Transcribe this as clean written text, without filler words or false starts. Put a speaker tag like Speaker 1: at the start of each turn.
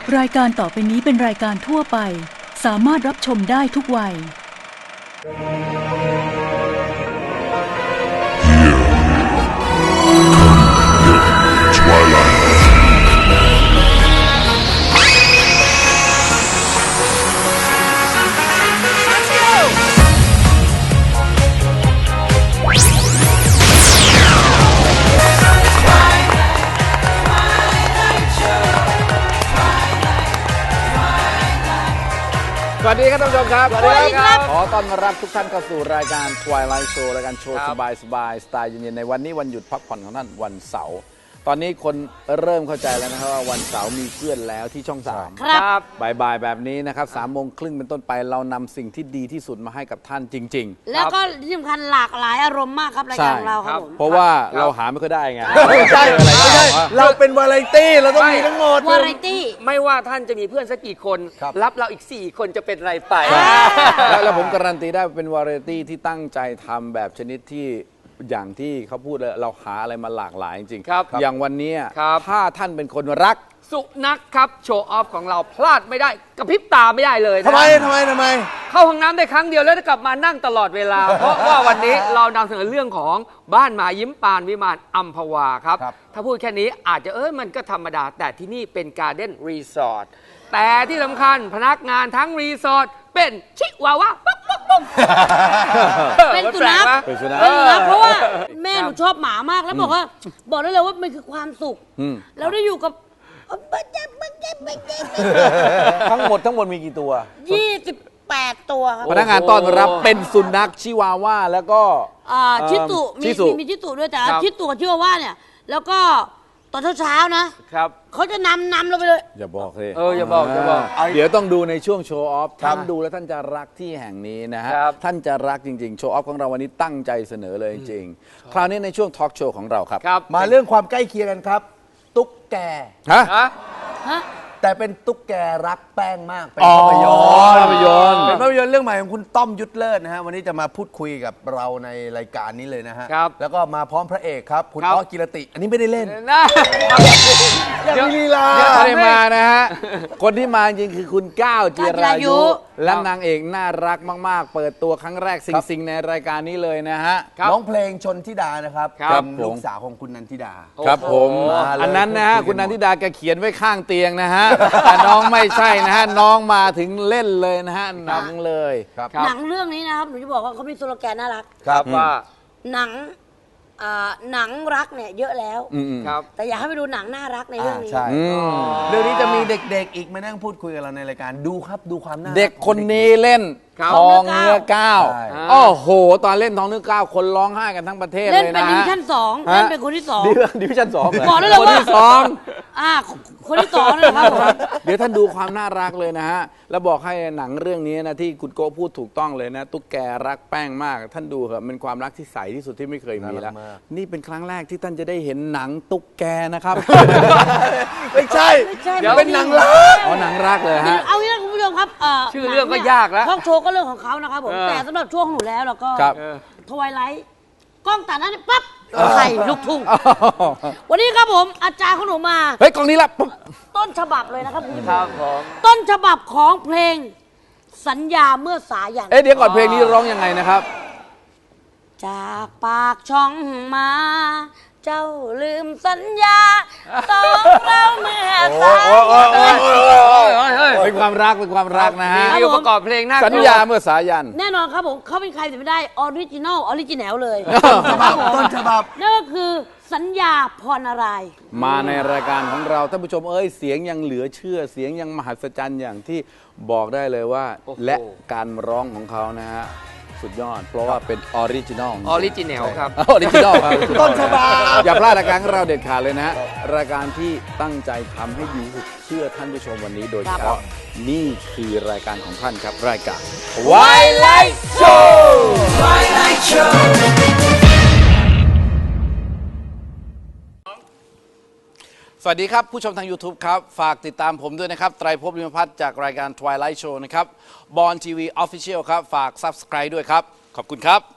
Speaker 1: รายการต่อไปนี้เป็นรายการทั่วไปสามารถรับชมได้ทุกวัย
Speaker 2: สวัสดีครับท่านผู้ชมครับ
Speaker 3: สวัสดีครับ
Speaker 2: ขอต้อนรับทุกท่านเข้าสู่รายการ Twilight Show รายการโชว์สบายสไตล์เย็นๆในวันนี้วันหยุดพักผ่อนของท่านวันเสาร์ตอนนี้คนเริ่มเข้าใจแล้วนะครับว่าวันเสาร์มีเพื่อนแล้วที่ช่อง 3
Speaker 3: ครับ
Speaker 2: บ่ายๆแบบนี้นะครับ3:30เป็นต้นไปเรานำสิ่งที่ดีที่สุดมาให้กับท่านจริงๆ
Speaker 3: แล้วก็ที่สำคัญหลากหลายอารมณ์มากครับรายการของเราครับผม
Speaker 2: เพราะว่าเราหาไม่ค่อยได้ไง
Speaker 4: ไม่ใช่
Speaker 2: อะไร
Speaker 4: ไม่ใช่ เราเป็นวาไรตี้เราต้องมีทั้งหมด
Speaker 3: วาไรตี้
Speaker 5: ไม่ว่าท่านจะมีเพื่อนสักกี่คน
Speaker 4: ครับ
Speaker 5: รับเราอีก 4 คนจะเป็นไรไป
Speaker 2: แล้วผมการันตีได้เป็นวาไรตี้ที่ตั้งใจทำแบบชนิดที่อย่างที่เขาพูดเลยเราหาอะไรมาหลากหลายจริงๆ
Speaker 5: ครับ
Speaker 2: อย่างวันนี้
Speaker 5: ครับ
Speaker 2: ถ้าท่านเป็นคนรัก
Speaker 5: สุนัขครับโชว์ออฟของเราพลาดไม่ได้กระพริบตาไม่ได้เลยนะ
Speaker 4: ทำไม
Speaker 5: เข้าห้องน้ำได้ครั้งเดียวแล้วจะกลับมานั่งตลอดเวลา เพราะว่าวันนี้เรานำเสนอเรื่องของบ้านหมายิ้มปานวิมานอัมพวาครับ
Speaker 4: ครับ
Speaker 5: ถ้าพูดแค่นี้อาจจะมันก็ธรรมดา แต่ที่นี่เป็นการ์เด้นรีสอร์ทแต่ที่สำคัญพนักงานทั้งรีสอร์ทเป็นชิวาวาปุ๊บปุ๊บปุ๊บ
Speaker 3: เป็นสุนัข
Speaker 2: เป็นสุนัข
Speaker 3: เป็นสุนัขเพราะว่าแม่หนูชอบหมามากแล้วบอกได้เลยว่ามันคือความสุข
Speaker 2: อืม
Speaker 3: เราได้อยู่กับ
Speaker 2: ทั้งหมดมีกี่ตัว
Speaker 3: 28 ตัวครับ
Speaker 2: พนักงานต้อนรับเป็นสุนัขชิวาว่าแล้วก็
Speaker 3: ชิตุ
Speaker 2: ชิสุ
Speaker 3: มีชิตุด้วยแต่
Speaker 5: ครับ
Speaker 3: ชิตุกับชิวาว่าเนี่ยแล้วก็ตอนเช้าๆนะครับ เขาจะนำเราไปเลย
Speaker 2: อย่าบอกเลย
Speaker 5: อย่าบอก
Speaker 2: เดี๋ยวต้องดูในช่วงโชว์ออฟ
Speaker 4: ครับ
Speaker 2: ท่านดูแล้วท่านจะรักที่แห่งนี้นะฮะ
Speaker 5: ครับ
Speaker 2: ท่านจะรักจริงๆโชว์ออฟของเราวันนี้ตั้งใจเสนอเลยจริงๆคราวนี้ในช่วงทอล์กโชว์ของเราครับ
Speaker 5: ครับ
Speaker 4: มาเรื่องความใกล้เคียงกันครับ ตุ๊กแก
Speaker 2: ฮะ
Speaker 5: ฮะ
Speaker 3: ฮะ
Speaker 4: แต่เป็นตุ๊กแกรักแป้งมาก เป็น
Speaker 2: อ๋อ
Speaker 4: ภาพยนตร์
Speaker 2: ภาพยนตร์
Speaker 4: เป็นภาพยนตร์เรื่องใหม่ของคุณต้อมยุทธเลิศนะฮะวันนี้จะมาพูดคุยกับเราในรายการนี้เลยนะฮะ
Speaker 5: ครับ
Speaker 4: แล้วก็มาพร้อมพระเอกครับ คุณ
Speaker 5: ครับ
Speaker 4: อ๊อกิรติ อันนี้ไม่ได้เล่น
Speaker 5: นะ
Speaker 4: อยากมีลีลา
Speaker 2: ไม่ได้มานะฮะ คนที่มาจริงคือคุณก้าวจิรายุ และนางเอกน่ารักมากๆ เปิดตัวครั้งแรกซิงๆในรายการนี้เลยนะฮะ
Speaker 5: ครับ
Speaker 4: น้องเพลงชนธิดานะครับ
Speaker 5: ครับ
Speaker 4: เป็นลูกสาวของคุณนันทิดา
Speaker 2: ครับผม
Speaker 4: มาเลย
Speaker 2: อันนั้นนะฮะ
Speaker 4: พูดคุยกัน
Speaker 2: คุณนันทิดาแกเขียนไว้ข้างเตียงนะฮะ แต่น้องไม่ใช่นะฮะ น้องมาถึงเล่นเลยนะฮะ หนังเลย
Speaker 4: ครับ
Speaker 3: หนังเรื่องนี้นะครับหนูจะบอกว่าเขามีสโลแกนน่ารัก
Speaker 4: ครับ
Speaker 5: ว่า
Speaker 3: หนังรักเนี่ยเยอะแล้ว
Speaker 2: อืม
Speaker 5: ครับ
Speaker 3: แต่อยากให้ไปดูหนังน่ารักในเรื่องนี้
Speaker 4: ใช่
Speaker 2: อืม
Speaker 4: เรื่องนี้จะมีเด็กๆ อีกมานั่งพูดคุยกับเราในรายการดูครับดูความน่ารั
Speaker 2: เด็กคนนี้เล่น
Speaker 5: ครับ
Speaker 2: ทองเนื้อก้าว
Speaker 4: ใช่
Speaker 2: โอ้โห ตอนเล่นทองเนื้อก้าวคนร้องไห้กันทั้งประเทศ
Speaker 3: เล่น
Speaker 2: เลย
Speaker 3: เป็น
Speaker 2: นะ
Speaker 3: ดิวิ
Speaker 2: ฮะ
Speaker 3: ชั่น2
Speaker 2: ฮะ
Speaker 3: เล่นเป็นคนที่2
Speaker 2: ดิวิชั่นสอง
Speaker 3: บอกได้เลย
Speaker 2: คน
Speaker 3: ว่า
Speaker 2: ที่สอง
Speaker 3: คนที่2นะครับผม
Speaker 2: เดี๋ยวท่านดูความน่ารักเลยนะฮะ แล้วบอกให้หนังเรื่องนี้นะที่คุณโก้พูดถูกต้องเลยนะ ตุ๊กแกรักแป้งมาก ท่านดูเถอะเป็นความรักที่ใสที่สุดที่ไม่เคยมีแล้ว
Speaker 4: น่ารักมาก
Speaker 2: นี่เป็นครั้งแรกที่ท่านจะได้เห็นหนังตุ๊กแกนะครับ
Speaker 4: ไม่ใช่
Speaker 5: เดี๋ยว
Speaker 4: เป็นหนังรัก
Speaker 2: อ๋อหนังรักเลยฮะ
Speaker 3: เอางี้นะคุณผู้ชมครับ
Speaker 5: ชื่อเรื่องก็ยากแล้ว
Speaker 3: ทอล์กโชว์ก็เรื่องของเขานะครับผม แต่สำหรับช่วงของหนูแล้วเราก็
Speaker 2: ครับ
Speaker 3: ทวายไลท์กล้องตัดนั้นปั๊บไข่ลูกทุ่ง วันนี้ครับผมอาจารย์ของหนูมา
Speaker 2: เฮ้ยกล่องนี้ละปุ๊บ
Speaker 3: ต้นฉบับเลยนะครับคุณผู้ช
Speaker 5: ครั
Speaker 3: ม
Speaker 5: บผม
Speaker 3: ต้นฉบับของเพลงสัญญาเมื่อสายัน
Speaker 2: เอ๊ะเดี๋ยวก่อนเพลงนี้ร้องยังไงนะครับ
Speaker 3: จากปากช่องมา เจ้าลืมสัญญาต้องเราเมื่อสายัน
Speaker 2: เป็นความรักเป็นความรักนะฮะ
Speaker 5: มีประกอบเพลงน่ากลัว
Speaker 2: สัญญาเมื่อสายัน
Speaker 3: แน่นอนครับผมเขาเป็นใครจะไม่ได้ออริจินอลเลย
Speaker 4: ต้นฉบับ
Speaker 3: นั่นก็คือสัญญาพรนารายณ์
Speaker 2: มาในรายการของเราท่านผู้ชมเอ้ยเสียงยังเหลือเชื่อเสียงยังมหัศจรรย์อย่างที่บอกได้เลยว่า
Speaker 5: โอ้โห
Speaker 2: และการร้องของเขานะฮะสุดยอด เพราะว่าเป็นออริจินอล
Speaker 5: ออริจินแนลครับ
Speaker 2: ออริจินอลครับ
Speaker 4: ต้นฉบับ
Speaker 2: อย่าพลาดรายการของเราเด็ดขาดเลยนะฮะรายการที่ตั้งใจทำให้ดีที่สุดเชื่อท่านผู้ชมวันนี้โดยเฉพาะนี่คือรายการของท่านครับรายการ Twilight Show สวัสดีครับ ผู้ชมทาง YouTube ครับ ฝากติดตามผมด้วยนะครับ ไตรภพ ลิมพัฒน์จากรายการ Twilight Show นะครับบอลทีวี Official ครับ ฝาก Subscribe ด้วยครับ ขอบคุณครับ